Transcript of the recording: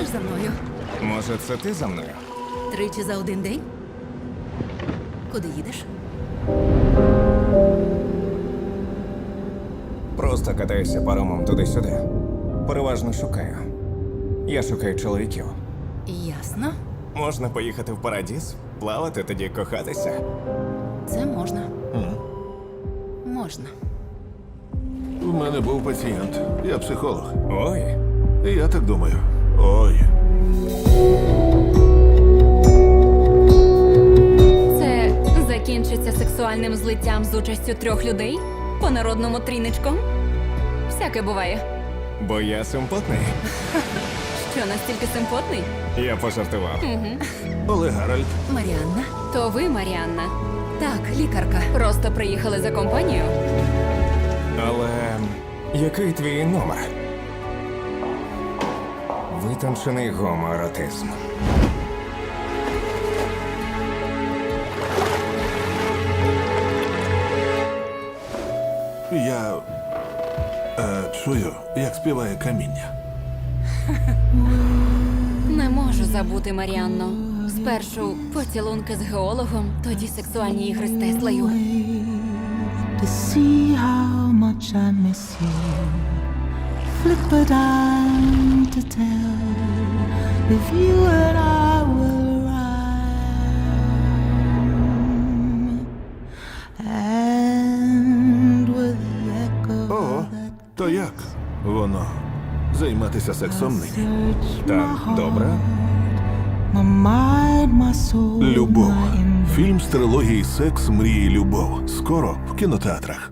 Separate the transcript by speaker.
Speaker 1: Підеш за мною?
Speaker 2: Може, це ти за мною?
Speaker 1: Тричі за один день? Куди їдеш?
Speaker 2: Просто катаюся паромом туди-сюди. Переважно шукаю. Я шукаю чоловіків.
Speaker 1: Ясно.
Speaker 2: Можна поїхати в Парадіз, плавати, тоді кохатися.
Speaker 1: Це можна. Можна.
Speaker 3: У мене був пацієнт. Я психолог.
Speaker 2: Ой,
Speaker 3: І я так думаю. Ой.
Speaker 4: Це закінчиться сексуальним злиттям з участю 3 людей? По народному тріничком? Всяке буває.
Speaker 2: бо я симпотний.
Speaker 4: Що, настільки симпотний?
Speaker 2: Я пожартував.
Speaker 3: Олег Гаральд.
Speaker 1: Маріанна?
Speaker 4: То ви, Маріанна,
Speaker 1: Так, лікарка.
Speaker 4: просто приїхали за компанію?
Speaker 2: Але який твій номер? Витончений гомоеротизм.
Speaker 3: Я чую, як співає каміння.
Speaker 4: Не можу забути, Маріанно. Спершу поцілунки з геологом, тоді сексуальні ігри з Теслою.
Speaker 5: To see how much I miss you. Flip a dime to tell if you and I will rhyme. And with the echo
Speaker 3: О, то як воно? Займатися сексом нині.
Speaker 5: search my
Speaker 2: Так, добре.
Speaker 5: my mind, my soul,
Speaker 3: Любов.
Speaker 5: my
Speaker 3: Фільм з трилогії «Секс, мрії, любов». Скоро в кінотеатрах.